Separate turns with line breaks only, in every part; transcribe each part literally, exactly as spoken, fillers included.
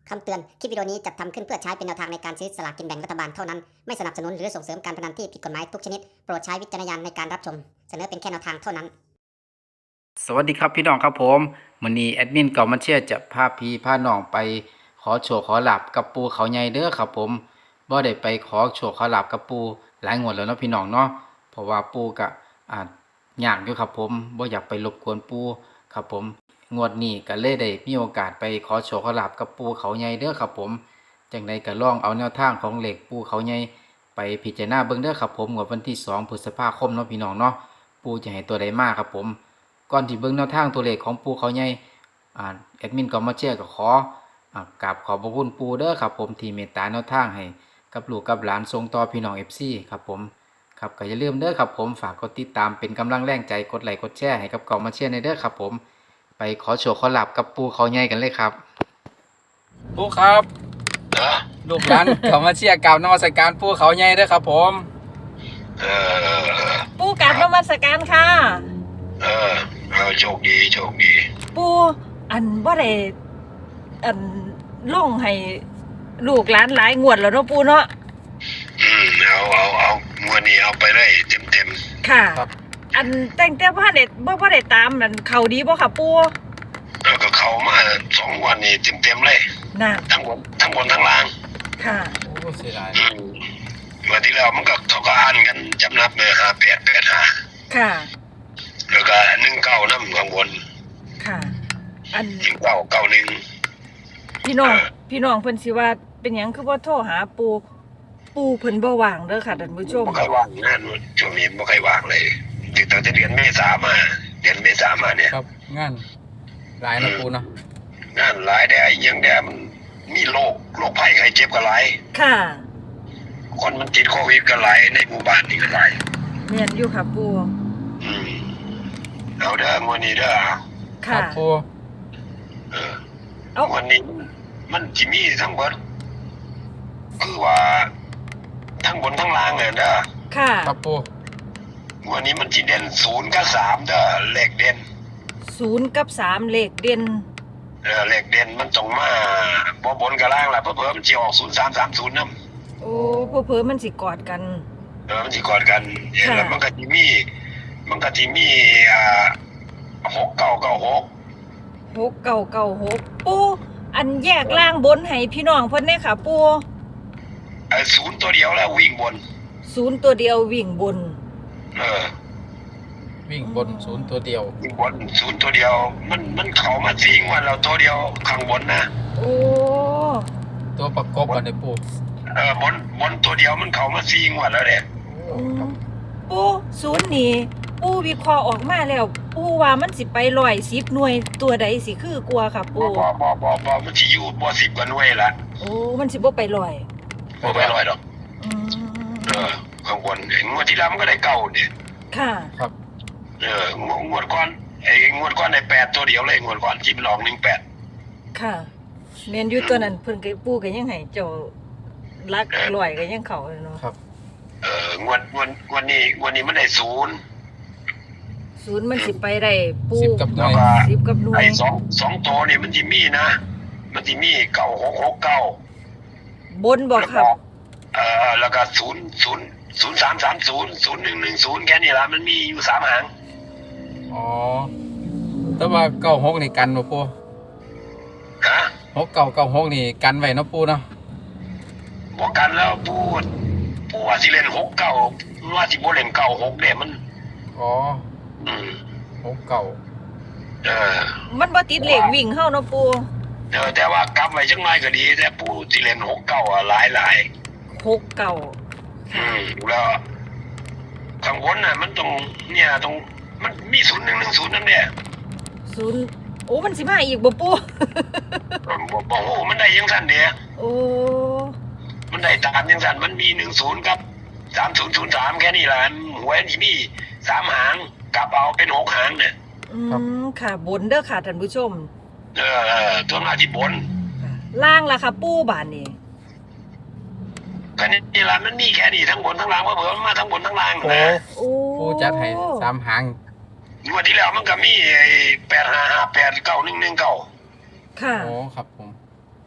คำเตือน คลิปวิดีโอนี้จัดทำขึ้นเพื่อใช้เป็นแนวทางในการซื้อสลากกินแบ่งรัฐบาลเท่านั้น ไม่สนับสนุนหรือส่งเสริมการพนันที่ผิดกฎหมายทุกชนิด โปรดใช้วิจารณญาณในการรับชม เสนอเป็นแค่แนวทางเท่านั้น
สวัสดีครับพี่น้องครับผมมื้อนี้แอดมินเก่ามาเชียร์จะพาพี่พาน้องไปขอโชคขอลาบกับปู่เขาใหญ่เด้อครับผมบ่ได้ไปขอโชคขอลาบกับปู่หลายงวดแล้วเนาะพี่น้องเนาะเพราะว่าปู่ก็อ่ายากอยู่ครับผมบ่อยากไปรบกวนปู่ครับผมงวดนี้ก็เลยได้มีโอกาสไปขอโชคขอลาบกับปู่เขาใหญ่เด้อครับผมจังไดก็ลองเอาแนวทางของเลขปู่เขาใหญ่ไปพิจารณาเบิ่งเด้อครับผมงวดวันที่สองพฤษภาคมเนาะพี่น้องเนาะปู่จะให้ตัวใดมาครับผมก่อนที่เบิ่งแนวทางตัวเลขของปู่เขาใหญ่อ่าแอดมินก็มาเชียร์ก็ขออ่ากราบขอบพระคุณปู่เด้อครับผมที่เมตตาแนวทางให้กับลูกกับหลานส่งต่อพี่น้อง เอฟ ซี ครับผมครับก็อย่าลืมเด้อครับผมฝากกดติดตามเป็นกำลังแรงใจกดไลค์กดแชร์ให้กับเก่ามาเชียร์ในเด้อครับผมไปขอโชคขอลาบกับปู่เขาใหญ่กันเลยครับปู่ครับลูกหลานเขามาเชียร์กราบนมัสการปู่เขาใหญ่เด้อครับผม
เออ
ปูกราบนมัสการค่ะ
เออเออโชคดีโชคดี
ปูอันบ่ได้อันลงให้ลูกหลานหลายงวดแล้วเนาะปูเนาะ
อืมเอาเอาเอางวดนี้เอาไปได้เต็มเต็ม
ค่ะอันแต่งแต่บ่ได้บ่บ่ได้ตามนั่นเข้าดีบ่ค่ะปู
แล้วก็เข้ามาสองวันนี้เต็มเต็มเลย
น่ะ
ทั้งบนทั้งบนทั้งล่าง
ค่ะ
โอ้เสียดาย
เมื่อที่แล้วมันก็เขาก็อ่านกันจำนับเลยห้าแปดแปดห้า
ค่ะ
แล้วก็หนึ่งเก้าน้ำข้างบน
ค่ะอัน
หนึ่งเก้าเก้าหนึ่ง
พี่น้องพี่น้องเพิ่นสิว่าเป็นหยังคือบ่โทรหาปูปูเพิ่นบ่ว่างเด้อค่ะท่านผู้ชม
บ่ค่อยว่างงานช่วงนี้บ่ค่อยว่างเลยตั้งแต่เดือนเมษามาเดือนเมษามาเนี่ย
ครับงานหลายนะปูเนาะ
งานหลายแต่ยังแต่มันมีโรคโรคภัยไข้เจ็บก็หลาย
ค่ะ
คนมันติดโควิดก็หลายในหมู่บ้านนี่ก็หลาย
แม่นอยู่ค่ะปู
อืมเอาเด้อมื้อนี้เด้อ
ค่ะ
ปู
เออเอาวันนี้มันสิมีทั้งเบิดคือว่าทั้งบนทั้งล่างเลยเด้อ
ค่ะ
ครับปู
วันนี้มันสิเด่นศูนย์กับสามเด้อเลขเด่น
ศูนย์กับสามเลขเด่น
เออเลขเด่นมันต้องมาบ่บนกับล่างล่ะเพิ่มมันสิออกศูนย์สามสามศูนย์นำ
โอ้เพิ่มมันสิกอดกัน
เออมันสิกอดกันแล้วมันก็สิมีมันก็สิมีอ่าหกเก้าเก้าหก
หกเก้าเก้าหกปูอันแยกล่างบนให้พี่น้องเพิ่นเด้ค่ะปู
เออศูนย์ตัวเดียวแล้ววิ่งบน
ศูนย์ตัวเดียววิ่งบน
เออ
วิ่งบนศูนย์ตัวเดียว
วิ่งบนศูนย์ตัวเดียวมันมันเข้ามาจริงว่าเราตัวเดียวข้างบนนะ
โอ้
ตัวประกบกันในปู
เออบนบนตัวเดียวมันเข้ามาจริงว่าแล้วเนี่ย
ปูศูนย์นี่ปูวิเคราะห์ออกมาแล้วปูว่ามันสิไปร้อยสิบหน่วยตัวใดสิคือกลัวค่ะปู
บ่บ่บ่บ่มันสิอยู่บ่สิบกว่าหน่วยละ
โอ้มันสิบ่ไปร้อย
บ่ไปร้อยดอก
อืม
เออข้างบนไอ้งวดที่แล้วมันก็ได้เก้าเนี่ย
ค่ะ
ครับ
เอองวดก่อนไอ้งวดก่อนได้แปดตัวเดียวเลยงวดก่อนที่มันออกหนึ่งแปด
ค่ะแม่นอยู่ตัวนั้นเพิ่นก็ปูก็ยังให้เจ้ารักร้อยก็ยังเข้าเนาะ
ครับ
เอองวดงวดงวดนี้งวดนี้มันได้ศูนย์
ศูนย์มันสิไปได้ปู
สิบกับหน่วย
สิบกับหน่วย
ไอ้สองสองตัวนี่มันสิมีนะมันสิมีเก้าหกหกเก้า
บนบ่ครับ
เออแล้วก็ศูนย์ศูนย์ศูนย์สามสามศูนย์ศูนย์หนึ่งหนึ่งศูนย์แค่นี้ละมันมีอยู่สามหาง
อ๋อแต่ว่าเก้าหกนี่กันบ่ปู
ฮะ
หกเก้าเก้าหกนี่กันไว้เนาะปูเนาะ
บ่กันแล้วปูปูว่าสิเล่นหกเก้าว่าสิบ่เล่นเก้าหกเนี่ยมัน
อ๋อ
อืม
หกเก้า
เออ
มันบ่ติดเลขวิ่งเฮาเนาะปู
เออแต่ว่ากลับไว้จังได๋ก็ดีแต่ปูสิเล่นหกเก้าอ่ะหลาย
ๆหกเก้า
อืมแล้วข้างบนน่ะมันตรงเนี่ยตรงมันมีศูนย์หนึ่งหนึ่งศูนย์นั่นแหละ
ศูนย์โอ้มันสิมาอีกบ่ปู
บ่บ่โอ้มันได้ยังซั่นเด้
โอ้
มันได้ตามยังซั่นมันมีหนึ่งศูนย์กับสามศูนย์ศูนย์สามแค่นี้ล่ะหวยนี่มีสามหางกลับเอาเป็นหกหางเนี่ย
อืมค่ะบนเด้อค่ะท่านผู้ชม
เออเออตัวหน้าที่บน
ล่างล่ะค่ะปูบานนี่
แค่นี้ล่ะมันมีแค่นี้ทั้งบนทั้งล่างว่าเผื่อมันมาทั้งบนทั้งล่างนะ
โอ้
ปูจัดให้สามหาง
งวดที่แล้วมันก็มีไอ้แปดห้าห้าแปดเก้าหนึ่งหนึ่งเก้า
ค่ะ
โอ้ครับผม
เ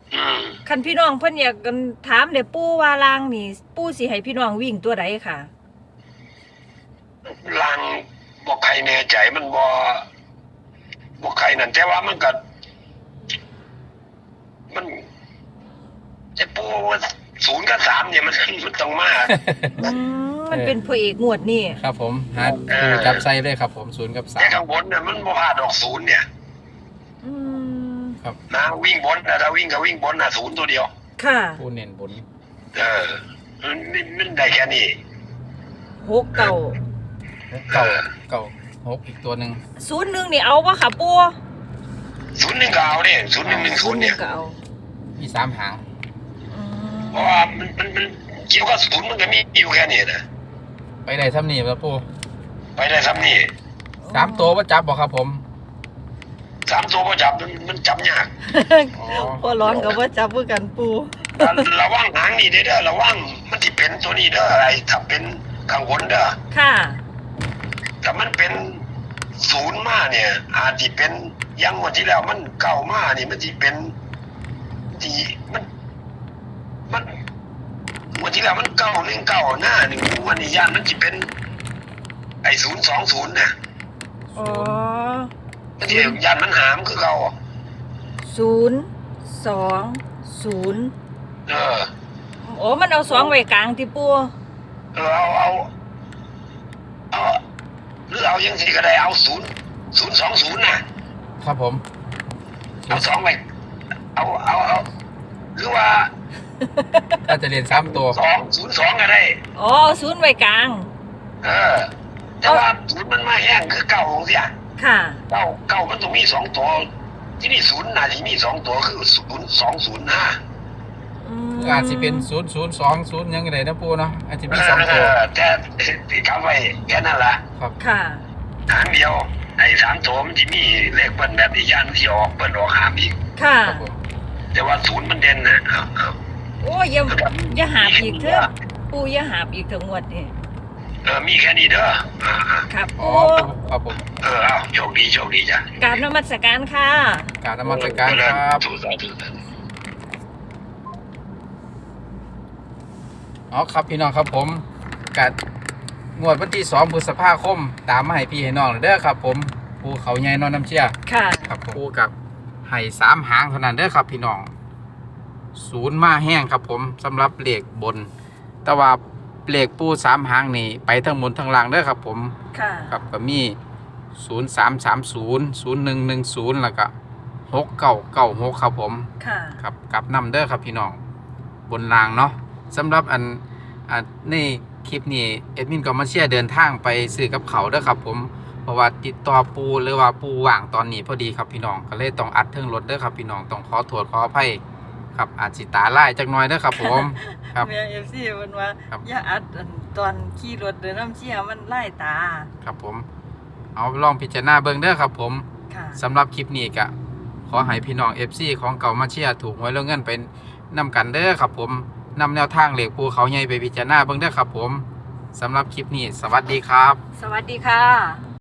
อืม
คันพี่น้องเพิ่นอยากกันถามเนี่ยปู่ว่าลางนี่ปู่สิให้พี่น้องวิ่งตัวใดค่ะ
ลางบอกใครแน่ใจมันบอบอกใครนั่นแต่ว่ามันก็มันไอ้ปูศูนย์กับสามเนี่ยมันมันต้องมา
อืมมันเป็นพระเอกงวดนี่
ครับผมหา
เออ
ปูจับไส้เลยครับผมศูนย์กับสา
แต่
ม
ข้างบนเนี่ยมันบ่พลาดดอกศูนย์เนี่ย
อืม
ครับ
นะวิ่งบนนะถ้าวิ่งก็วิ่งบนนะศูนย์ตัวเดียว
ค่ะ
ปูเน้นบน
เออมันมันได้แค่นี้
หกเก่า
เก่าเก่าหกอีกตัวหนึ่ง
ศูนย์หนึ่งนี่เอาวะค่ะปู่
ศูนย์หนึ่งก็เอาเนี่ยศูนย์หนึ่งหนึ่งศูนย์เนี่ย
ก็เอา
มีสามหาง
อืม
เพราะว่ามันมันมันเกี่ยวกับศูนย์มันก็มีอยู่แค่นี้นะ
ไปได้ซ้ำนี่แล้วปู
ไปได้ซ้ำนี่
สามตัวว่าจับบอกครับผม
สามตัวพอจับมันมันจับยาก
อ๋อ
พอร้อนกับว่าจับเพื่อกันปู่
ระวังหางนี่เด้อเด้อระวังมันที่เป็นตัวนี้เด้ออะไรถ้าเป็นข้างบนเด้อ
ค่ะ
ถ้ามันเป็นศูนย์มาเนี่ย อาจจะเป็นอยังวันที่แล้วมันเก่ามานี่มันจะเป็นที่มัน มันวันที่แล้วมันเก่าหนึ่งเก่าหน้าหนึ่งวันนี้ย่านมันจะเป็น ไอ้ศูนย์สองศูนย์เนี่ย
อ๋อ
มันจะย่านมันหามคือเก่า
ศูนย์สองศูนย์
เออ
โอ้มันเอาสองไว้กลางที่ปู่
เออเอาเอาเอาหรือเอายังสิก็ได้เอาศูนย์ศูนย์สองศูนย์นะครับ
ผม
เอาสองไปเอาเอาเอาหรือว่า
ถ้าจะเรียนสามตัว
สองศูนย์สองก็ได้
อ๋อศูนย์ไว้กลาง
เออ แต่ว่าศูนย์มันมาแห้งคือเก่าเสีย
ค่ะ
เก่าเก่ามันต้องมีสองตัว ที่นี่ศูนย์น่าจะมีสองตัวคือศูนย์สองศูนย์ห้า
อืม
อาจจะเป็นศูนย์ศูนย์สองศูนย์ยังไงนะปูเนาะอาจจะมีสองตัว
แต่ที่คำไว้แค่นั้นละ
ครับ
ค่ะ
หางเดียวไอ้สามตัวมันจะมีเลขเบิ้ลแบบที่ยันที่ออกเบิ้ลออกหามอีก
ค่ะ
ครับผม
แต่ว่าศูนย์มันเด่นนะเอาเอา
โอ้ยอย่าอย่าหาบอีกเถอะปู่อย่าหาบอีกเถอะงวดนี่
เออมีแค่นี้เด้ออ่าอ่า
ครับ
อ๋อ
ปู่
ครับผม
เออเอาโชคดีโชคดีจ้ะ
กราบนมัสการค่ะ
กรารนมัสการครับ
ถูกต้องถูกต้อง
อ๋อครับพี่น้องครับผมกัดงวดวันที่สองพฤษภาคมตามมาให้พี่ให้น้องเด้อครับผมปูเขาใหญ่นอนน้ำเชี่ย
ค่ะ
ครับปูกับไห่สามหางเท่านั้นเด้อครับพี่น้องศูนย์มาแห้งครับผมสำหรับเหล็กบน แต่ว่าเหล็กปูสามหางนี่ไปทั้งบนทั้งล่างเด้อครับผม
ค่ะ
ครับก็มีศูนย์สามสามศูนย์ศูนย์หนึ่งหนึ่งศูนย์แล้วก็หกเก้าเก้าหกครับผม
ค่ะ
ครับกลับนำเด้อครับพี่น้องบนรางเนาะสำหรับอันอันในคลิปนี้เอ็ดมินก็มาเชียร์เดินทางไปซื้อกับเขาวเด้อครับผมเพราะว่าติดต่อปูหรือว่าปูว่างตอนนี้พอดีครับพี่น้องก็เลยต้องอัดเทิงรถเด้อครับพี่น้องต้องขอโทษขออภัยครับอาจสิตาลายจักหน่อยเด้อครับผมครับ
แม่เอฟซีมันว่า
ครับ
อย่าอัดอันตอนขี่รถเดินน้ำเชี่ยมันไล่ตา
ครับผมเอาลองพิจารณาเบิ่งเด้อครับผม
ค่ะ
สำหรับคลิปนี้ก็ขอให้พี่น้อง เอฟ ซี ของเก่ามาเชียร์ถูกหวยแล้วเงินไปนำกันเด้อครับผมนำแนวทางเหล็กภูเขาใหญ่ไปพิจารณาเบิ่งเด้อครับผมสำหรับคลิปนี้สวัสดีครับ
สวัสดีค่ะ